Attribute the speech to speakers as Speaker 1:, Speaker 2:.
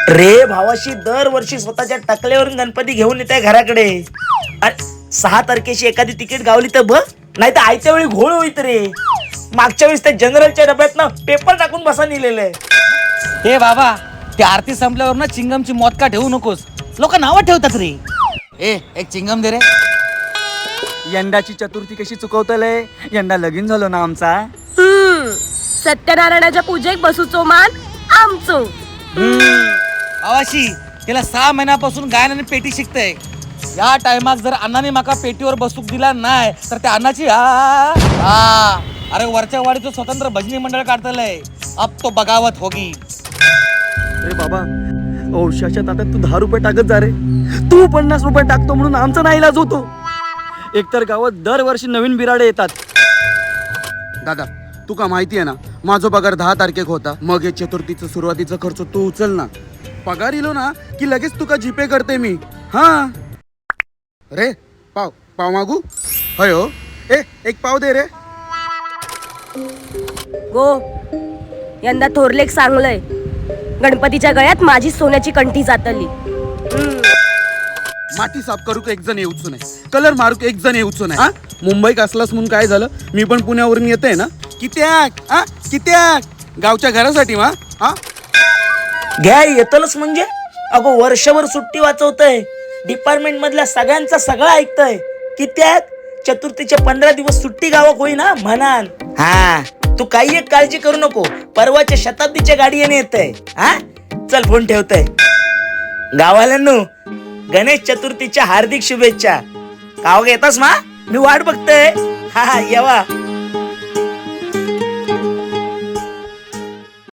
Speaker 1: रे भावाशी दरवर्षी स्वतःच्या टकल्यावरून गणपती घेऊन येत आहे घराकडे. 6 तारखेची एखादी तिकीट गावली तर बघ, नाही तर आयत्या वेळी घोळ होईत रे. मागच्या वेळेस त्या जनरलच्या डब्यात ना पेपर टाकून बसा नेलेलं आहे.
Speaker 2: हे बाबा, ते आरती संपल्यावर ना चिंगमची मौत का ठेवू नकोस, लोक नावं ठेवतात रे. एक चिंगम दे रे.
Speaker 3: यंदाची चतुर्थी कशी चुकवतलंय, यंदा लगीन झालो ना आमचा.
Speaker 4: सत्यनारायणाच्या पूजेक बसूचो मान आमचो.
Speaker 2: आवाशी त्याला 6 महिन्यापासून गायन आणि पेटी शिकतय. या टायमाक जर अण्णाने माका पेटीवर बसूक दिला नाही तर त्या अण्णाची अरे वरच्या वाडीचं स्वतंत्र भजनी मंडळ काढतलंय. अब तो बगावत होगी.
Speaker 3: अरे बाबा, औषधाच्या ताटात तू 10 रुपये टाकत जा रे. तू 50 रुपये टाकतो म्हणून आमचा नाही इलाज होतो. एकतर गावात दरवर्षी नवीन बिराडे येतात.
Speaker 5: दादा, तुका माहिती आहे ना, माझा पगार 10 तारखेक होता. मग हे चतुर्थीचं सुरुवातीचा खर्च तू उचल ना. पगार इलो ना की लगेच तुका जीपे करते मी. हा रे, पाव मागू? होय हो. एक पाव दे रे.
Speaker 4: गो, यंदा थोरलेक सांगलंय, गणपतीच्या गळ्यात माझी सोन्याची कंठी जातली.
Speaker 5: माती साफ करूक एक जण येऊच नाही, कलर मारूक एक जण येऊच नाही. हा, मुंबईत असलास म्हणून काय झालं, मी पण पुण्यावरून येते ना. कित्याक गावच्या घरासाठी मा. हा,
Speaker 1: घ्या येतलच म्हणजे. अगो वर्षभर सुट्टी वाचवतय, डिपार्टमेंट मधल्या सगळ्यांचा सगळं ऐकतय. कित्याक चतुर्थीचे 15 दिवस सुट्टी गावाक होईना म्हणान. हा, तू काही एक काळजी करू नको, परवाच्या शताब्दीच्या गाडी येणे येतय. हा, चल फोन ठेवतय. गावाल्यांनो, गणेश चतुर्थीच्या हार्दिक शुभेच्छा. गावाक येतास मा, मी वाट बघतोय. हा येवा.